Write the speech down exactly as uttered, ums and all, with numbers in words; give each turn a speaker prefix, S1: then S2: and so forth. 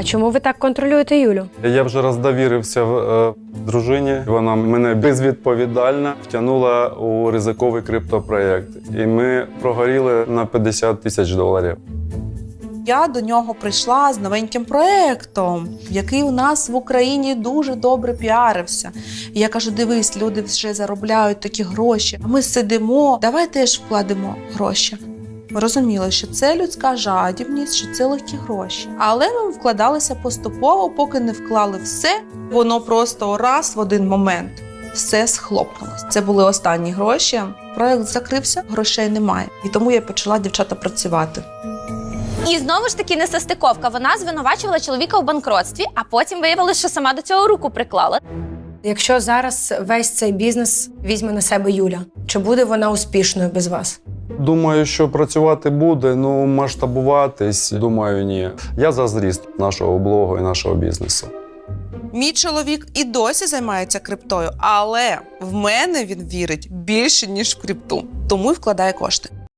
S1: А чому ви так контролюєте Юлю?
S2: Я вже роздовірився е, дружині. Вона мене безвідповідально втягнула у ризиковий криптопроєкт. І ми прогоріли на п'ятдесят тисяч доларів.
S3: Я до нього прийшла з новеньким проєктом, який у нас в Україні дуже добре піарився. І я кажу, дивись, люди вже заробляють такі гроші, а ми сидимо, давай теж вкладемо гроші. Ми розуміли, що це людська жадібність, що це легкі гроші. Але ми вкладалися поступово, поки не вклали все, воно просто раз в один момент все схлопнулося. Це були останні гроші, проєкт закрився, грошей немає. І тому я почала, дівчата, працювати.
S4: І знову ж таки несостиковка. Вона звинувачувала чоловіка у банкротстві, а потім виявилося, що сама до цього руку приклала.
S1: Якщо зараз весь цей бізнес візьме на себе Юля, чи буде вона успішною без вас?
S2: Думаю, що працювати буде, ну масштабуватись, думаю, ні. Я за зріст нашого блогу і нашого бізнесу.
S3: Мій чоловік і досі займається криптою, але в мене він вірить більше, ніж в крипту. Тому й вкладає кошти.